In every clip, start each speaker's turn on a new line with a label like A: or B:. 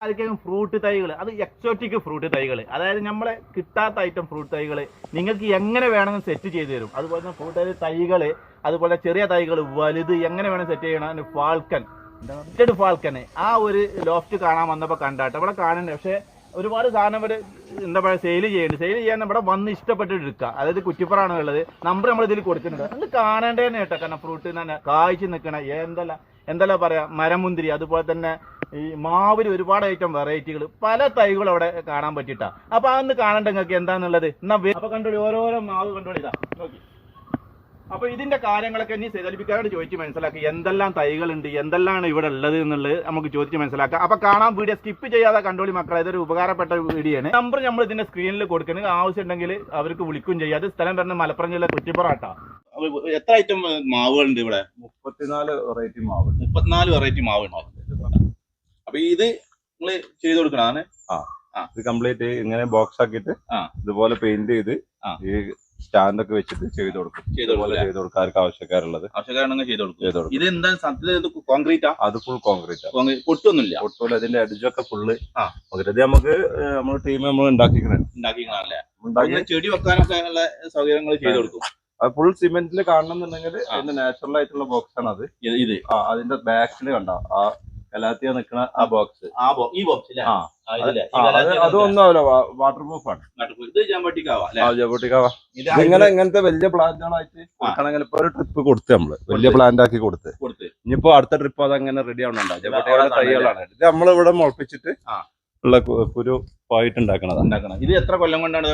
A: ആയിരിക്കും ഫ്രൂട്ട് തൈകൾ, അത് എക്സോട്ടിക് ഫ്രൂട്ട് തൈകൾ, അതായത് നമ്മളെ കിട്ടാത്ത ഐറ്റം ഫ്രൂട്ട് തൈകൾ നിങ്ങൾക്ക് എങ്ങനെ വേണമെങ്കിൽ സെറ്റ് ചെയ്ത് തരും. അതുപോലെ തന്നെ ഫ്രൂട്ട് തൈകൾ, അതുപോലെ ചെറിയ തൈകൾ, വലുത് എങ്ങനെ വേണം സെറ്റ് ചെയ്യണം. ഫാൽക്കൺ ആ ഒരു ലോഫ്റ്റ് കാണാൻ വന്നപ്പോൾ കണ്ടാട്ടെ ഇവിടെ കാണണ്ടേ. പക്ഷേ ഒരുപാട് സാധനം ഇവിടെ എന്താ പറയുക സെയിൽ ചെയ്യാൻ ഇവിടെ വന്ന് ഇഷ്ടപ്പെട്ടിട്ട് എടുക്കുക. അതായത് കുറ്റിപ്പുറാണ് ഉള്ളത്, നമ്പർ നമ്മൾ ഇതിൽ കൊടുക്കുന്നുണ്ട്. അത് കാണേണ്ടതെന്ന് കേട്ടോ. കാരണം ഫ്രൂട്ട് തന്നെ കായ്ച്ചു നിൽക്കണ എന്തെല്ലാം പറയാ, മരമുന്തിരി, അതുപോലെ തന്നെ ഈ മാവിൽ ഒരുപാട് ഐറ്റം വെറൈറ്റികൾ, പല തൈകളും അവിടെ കാണാൻ പറ്റിയിട്ടാ. അപ്പൊ അതൊന്ന് കാണണ്ട നിങ്ങൾക്ക് എന്താന്നുള്ളത്. എന്നാ അപ്പൊ കണ്ടോളി, ഓരോരോ മാവ് കണ്ടോളി, ഇതാ നോക്കി. അപ്പൊ ഇതിന്റെ കാര്യങ്ങളൊക്കെ ഇനി സെതലിപ്പിക്കാരോട് ചോദിച്ച് മനസ്സിലാക്കി എന്തെല്ലാം തൈകളുണ്ട്, എന്തെല്ലാം ഇവിടെ ഉള്ളത് എന്നുള്ളത് നമുക്ക് ചോദിച്ച് മനസ്സിലാക്കാം. അപ്പൊ കാണാൻ വീഡിയോ സ്കിപ്പ് ചെയ്യാതെ കണ്ടോളി മക്കളെ, ഇതൊരു ഉപകാരപ്പെട്ട വീഡിയോ ആണ്. നമ്പർ നമ്മൾ ഇതിന്റെ സ്ക്രീനിൽ കൊടുക്കുന്നത്, ആവശ്യമുണ്ടെങ്കിൽ അവർക്ക് വിളിക്കും ചെയ്യാം. അത് സ്ഥലം പറഞ്ഞ മലപ്പുറം ജില്ല കുറ്റിപ്പുറാട്ടാ. എത്ര ഐറ്റം മാവുകളുണ്ട് ഇവിടെ?
B: 34 വെറൈറ്റി മാവ്.
A: 34 വെറൈറ്റി മാവ് ഉണ്ടാവും. അപ്പൊ ഇത് നിങ്ങൾ ചെയ്ത് കൊടുക്കണതാണ്.
B: ഇത് കംപ്ലീറ്റ് ഇങ്ങനെ ബോക്സ് ആക്കിയിട്ട് ഇതുപോലെ പെയിന്റ് ചെയ്ത് ഈ സ്റ്റാൻഡ് ഒക്കെ വെച്ചിട്ട് ചെയ്ത് കൊടുക്കും. ചെയ്ത് കൊടുക്കും ആർക്ക് ആവശ്യക്കാരുള്ളത്
A: ചെയ്ത് കൊടുക്കും. ഇത് എന്താ കോൺക്രീറ്റാ?
B: അത് ഫുൾ കോൺക്രീറ്റ്.
A: പൊട്ടൊന്നുമില്ല.
B: പൊട്ടില്ല. അതിന്റെ അടിച്ചൊക്കെ ഫുള്ള് പകുതി നമുക്ക് നമ്മുടെ ടീം നമ്മൾ ഉണ്ടാക്കിക്കണല്ലേ.
A: ചെടി വെക്കാനൊക്കെ ഉള്ള സൗകര്യങ്ങൾ ചെയ്ത് കൊടുക്കും.
B: അത് ഫുൾ സിമെന്റിൽ കാണണമെന്നുണ്ടെങ്കിൽ അതിന്റെ നാച്ചുറൽ ആയിട്ടുള്ള ബോക്സ് ആണ് അത്. ഇത് അതിന്റെ ബാക്കിൽ കണ്ടോ ആ കലാത്തിയ നിൽക്കുന്ന ആ ബോക്സ്,
A: ഈ ബോക്സ്
B: അതൊന്നും ആവില്ല, വാട്ടർ പ്രൂഫ് ആണ്. ഇങ്ങനത്തെ വലിയ പ്ലാന്റുകളായിട്ട് കൊടുക്കണമെങ്കിൽ ഇപ്പൊ ഒരു ട്രിപ്പ് കൊടുത്ത് നമ്മള് വലിയ പ്ലാന്റ് ആക്കി കൊടുത്ത് ഇനിയിപ്പോ അടുത്ത ട്രിപ്പ് അതങ്ങനെ റെഡി ആവണുണ്ടോ. ജബോട്ടിയുടെ തൈകളാണ് ഇത് നമ്മളിവിടെ മുളപ്പിച്ചിട്ട് ഉള്ള കുരു പോയിട്ട് ഉണ്ടാക്കണം.
A: ഇത് എത്ര കൊല്ലം കൊണ്ടാണ്?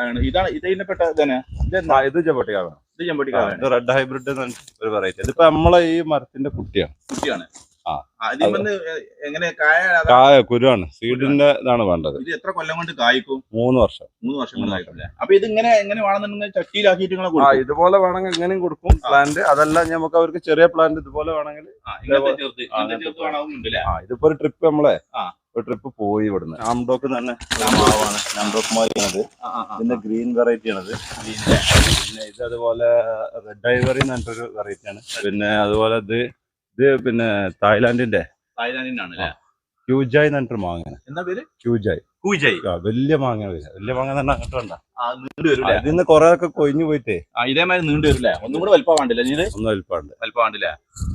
B: ഇത് ജബോട്ടിക്കാണ്. ഇത് റെഡ് ഹൈബ്രിഡ് ഒരു വെറൈറ്റി. ഇതിപ്പോ നമ്മളെ ഈ മരത്തിന്റെ കുട്ടിയാണ്. കായ കുരുവാണ്, സീഡിന്റെ ഇതാണ് വേണ്ടത്.
A: ഇത് എത്ര കൊല്ലം കൊണ്ട് കായ്ക്കും?
B: 3 വർഷം.
A: 3 വർഷം കൊണ്ട് കായ്ക്കും. അപ്പൊ ഇത് എങ്ങനെ വേണമെന്നുണ്ടെങ്കിൽ ചട്ടിയിലാക്കിയിട്ട്
B: ഇതുപോലെ വേണമെങ്കിൽ എങ്ങനെയും കൊടുക്കും പ്ലാന്റ്. അതല്ല നമുക്ക് അവർക്ക് ചെറിയ പ്ലാന്റ് ഇതുപോലെ വേണമെങ്കിൽ ഇതിപ്പോ ഒരു ട്രിപ്പ് നമ്മളെ ഒരു ട്രിപ്പ് പോയി ഇവിടുന്ന് നാംഡോക്ക് തന്നെ മാവാണ്. നാംഡോക്ക് മാവാണത്. ഇതിന്റെ ഗ്രീൻ വെറൈറ്റി ആണത്. പിന്നെ ഇത് അതുപോലെ റെഡ് ഐവറി എന്ന് പറഞ്ഞിട്ടൊരു വെറൈറ്റി ആണ്. പിന്നെ അതുപോലെ ഇത് പിന്നെ തായ്ലാന്റിന്റെ ക്യൂജായ് എന്ന് പറഞ്ഞിട്ടൊരു മാങ്ങ.
A: എന്താ പേര്?
B: ക്യൂജായ്. വലിയ മാങ്ങ. വലിയ മാങ്ങ തന്നെ അങ്ങോട്ട് വേണ്ട. ഇതിന്ന് കൊറേ ഒക്കെ കൊഴിഞ്ഞു പോയിട്ടേ
A: ഇതേമാതിരി നീണ്ടു വരില്ലേ? ഒന്നും കൂടെ വലിപ്പം വേണ്ടില്ല.
B: ഒന്നും വലിപ്പം
A: വേണ്ടില്ല.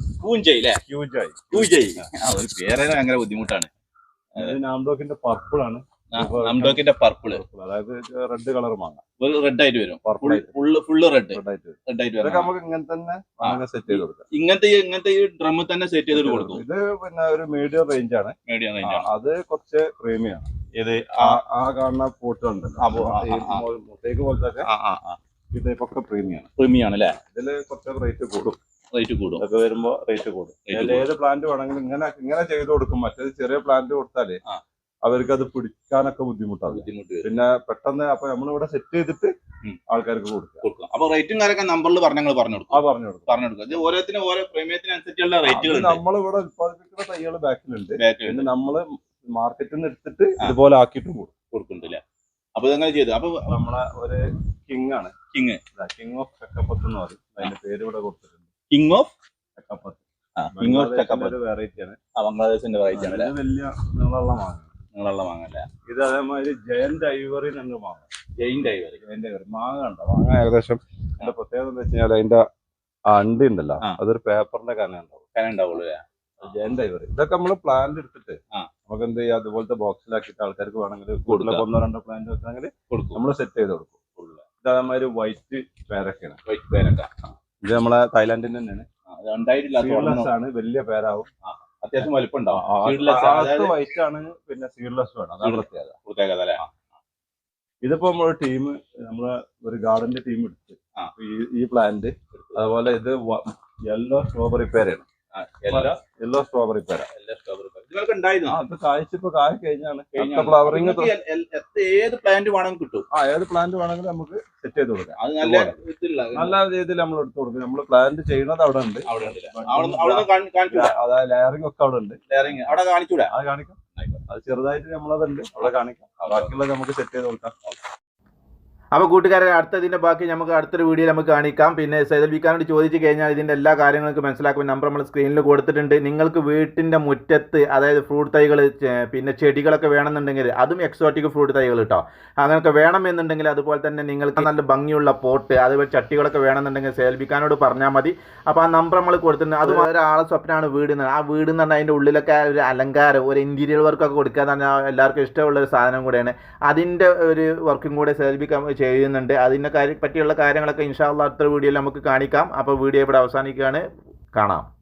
A: ക്യൂജായ് ഒരു പേരെ ഭയങ്കര ബുദ്ധിമുട്ടാണ്.
B: നാംഡോക്കിന്റെ പർപ്പിൾ ആണ്.
A: നാംഡോക്കിന്റെ പർപ്പിൾ,
B: അതായത് റെഡ് കളർ മാങ്ങ.
A: റെഡ് ആയിട്ട് വരും. ഫുള്ള് റെഡ് ആയിട്ട് വരും.
B: നമുക്ക് ഇങ്ങനെ തന്നെ സെറ്റ് ചെയ്ത് കൊടുക്കാം.
A: ഇങ്ങനത്തെ ഈ ഡ്രമ്മിൽ തന്നെ സെറ്റ് ചെയ്ത് കൊടുക്കും.
B: ഇത് പിന്നെ ഒരു മീഡിയം റേഞ്ച് ആണ്. അത് കുറച്ച് പ്രീമിയാണ്.
A: ഇത്
B: ആ കാണുന്ന പോട്ടുണ്ടല്ലോ മുട്ടേക്ക് പോലത്തെ ഇതൊക്കെ
A: പ്രീമിയാണ് അല്ലേ?
B: ഇതില് കുറച്ച് റേറ്റ് കൂടും.
A: ഒക്കെ
B: വരുമ്പോ റേറ്റ് കൂടും. ഏത് പ്ലാന്റ് വേണമെങ്കിലും ഇങ്ങനെ ചെയ്ത് കൊടുക്കും. മറ്റേത് ചെറിയ പ്ലാന്റ് കൊടുത്താല് അവർക്ക് അത് പിടിക്കാനൊക്കെ ബുദ്ധിമുട്ടാണ്. പിന്നെ പെട്ടെന്ന് അപ്പൊ നമ്മളിവിടെ സെറ്റ് ചെയ്തിട്ട് ആൾക്കാർക്ക് കൊടുക്കും.
A: അപ്പൊ റേറ്റും കാര്യമൊക്കെ നമ്പറിൽ പറഞ്ഞു കൊടുക്കും. ഓരോത്തിനും ഓരോ പ്രീമിയത്തിനനുസരിച്ചുള്ള റേറ്റുകൾ
B: നമ്മളിവിടെ ഉത്പാദിപ്പിക്കുന്ന തൈകൾ ബാക്കിലുണ്ട്. പിന്നെ നമ്മള് മാർക്കറ്റിൽ നിന്ന് എടുത്തിട്ട് ഇതുപോലെ ആക്കിയിട്ടും
A: കൊടുക്കുന്നുണ്ടല്ലേ? അപ്പൊ ഇതെങ്ങനെ ചെയ്തു? അപ്പൊ
B: നമ്മളെ ഒരു കിങ് ആണ്. കിങ് ഓഫ് ചക്കപ്പത്ത് എന്ന് പറയും. അതിന്റെ പേര് ഇവിടെ കൊടുത്തിട്ടുണ്ട്.
A: King of
B: ചക്കപ്പത്ത്.
A: വെറൈറ്റി ആണ്. ബംഗ്ലാദേശിന്റെ വെറൈറ്റി ആണ്.
B: വലിയ നീളമുള്ള
A: മാങ്ങ അല്ലേ?
B: ഇത് അതേമാതിരി ജയന്റ് ഐവറി എന്നൊരു മാങ്ങ.
A: ജയന്റ് ഐവറി
B: മാങ്ങ ഉണ്ടോ? മാങ്ങ ഏകദേശം അതിന്റെ പ്രത്യേകത എന്താ വെച്ച് കഴിഞ്ഞാൽ അതിന്റെ അണ്ടി ഉണ്ടല്ലോ, അതൊരു പേപ്പറിന്റെ കന ഉണ്ടാവുള്ളൂ. ജയന്റ് ഐവറി ഇതൊക്കെ നമ്മള് പ്ലാന്റ് എടുത്തിട്ട് നമുക്ക് എന്ത് ചെയ്യാം, അതുപോലത്തെ ബോക്സിലാക്കിയിട്ട് ആൾക്കാർക്ക് വേണമെങ്കിൽ കൂടുതലൊക്കെ 1-2 പ്ലാന്റ് വെക്കണമെങ്കിൽ നമ്മൾ സെറ്റ് ചെയ്ത് കൊടുക്കും. ഇത് അതേമാതിരി വൈറ്റ് പേരൊക്കെയാണ്. ഇത് നമ്മളെ തായ്ലാന്റിൽ തന്നെയാണ്. ആണ്. വലിയ പേരാവും.
A: അത്യാവശ്യം വലിപ്പം ഉണ്ടാവും.
B: വൈറ്റ് ആണ്. പിന്നെ സീഡ്ലെസ് വേണം. അതാണ് പ്രത്യേകത. ഇതിപ്പോ നമ്മളൊരു ടീം, നമ്മളെ ഒരു ഗാർഡന്റെ ടീം എടുത്ത് ഈ പ്ലാന്റ്, അതുപോലെ ഇത് യെല്ലോ സ്ട്രോബെറി പേരാണ്. യെല്ലോ സ്ട്രോബെറി പേര. അത് കായ്ച്ചിപ്പോ കായ് കഴിഞ്ഞാണ്. ഫ്ലവറിങ്
A: ഏത് പ്ലാന്റ് വേണമെങ്കിലും കിട്ടും.
B: ഏത് പ്ലാന്റ് വേണമെങ്കിലും നമുക്ക് സെറ്റ് ചെയ്ത് കൊടുക്കാം. നല്ല രീതിയിൽ നമ്മൾ എടുത്തു കൊടുക്കും. നമ്മൾ പ്ലാന്റ് ചെയ്യുന്നത് അവിടെ ഉണ്ട്. അതായത് ലെയറിംഗ് ഒക്കെ അവിടെ ഉണ്ട്.
A: അവിടെ കാണിച്ചൂടെ?
B: അത് കാണിക്കാം. അത് ചെറുതായിട്ട് നമ്മളതുണ്ട്, അവിടെ കാണിക്കാം. ബാക്കിയുള്ളത് നമുക്ക് സെറ്റ് ചെയ്ത് കൊടുക്കാം.
A: അപ്പോൾ കൂട്ടുകാരെ അടുത്തതിൻ്റെ ബാക്കി നമുക്ക് അടുത്തൊരു വീഡിയോയിൽ നമുക്ക് കാണിക്കാം. പിന്നെ സൈദൽ ബിക്കാനോട് ചോദിച്ചു കഴിഞ്ഞാൽ ഇതിൻ്റെ എല്ലാ കാര്യങ്ങൾക്കും മനസ്സിലാക്കും. നമ്പർ നമ്മൾ സ്ക്രീനിൽ കൊടുത്തിട്ടുണ്ട്. നിങ്ങൾക്ക് വീട്ടിൻ്റെ മുറ്റത്ത് അതായത് ഫ്രൂട്ട് തൈകൾ പിന്നെ ചെടികളൊക്കെ വേണമെന്നുണ്ടെങ്കിൽ അതും എക്സോട്ടിക് ഫ്രൂട്ട് തൈകൾ കേട്ടോ, അങ്ങനെയൊക്കെ വേണമെന്നുണ്ടെങ്കിൽ അതുപോലെ തന്നെ നിങ്ങൾക്ക് നല്ല ഭംഗിയുള്ള പോട്ട് അതുപോലെ ചട്ടികളൊക്കെ വേണമെന്നുണ്ടെങ്കിൽ സൈദൽ ബിക്കാനോട് പറഞ്ഞാൽ മതി. അപ്പോൾ ആ നമ്പർ നമ്മൾ കൊടുത്തിട്ടുണ്ട്. അത് ഒരാളെ സ്വപ്നമാണ് വീട് എന്ന്. ആ വീട് എന്ന് പറഞ്ഞാൽ അതിൻ്റെ ഉള്ളിലൊക്കെ ഒരു അലങ്കാരം ഒരു ഇൻറ്റീരിയർ വർക്കൊക്കെ കൊടുക്കുക എന്ന് പറഞ്ഞാൽ എല്ലാവർക്കും ഇഷ്ടമുള്ള ഒരു സാധനം കൂടെയാണ്. അതിൻ്റെ ഒരു വർക്കും കൂടെ സൈദൽ ബിക്കാൻ ചെയ്യുന്നുണ്ട്. അതിനെ പറ്റിയുള്ള കാര്യങ്ങളൊക്കെ ഇൻഷാ അല്ലാഹ് അടുത്ത വീഡിയോയിൽ നമുക്ക് കാണിക്കാം. അപ്പോൾ വീഡിയോ ഇവിടെ അവസാനിക്കുകയാണ്. കാണാം.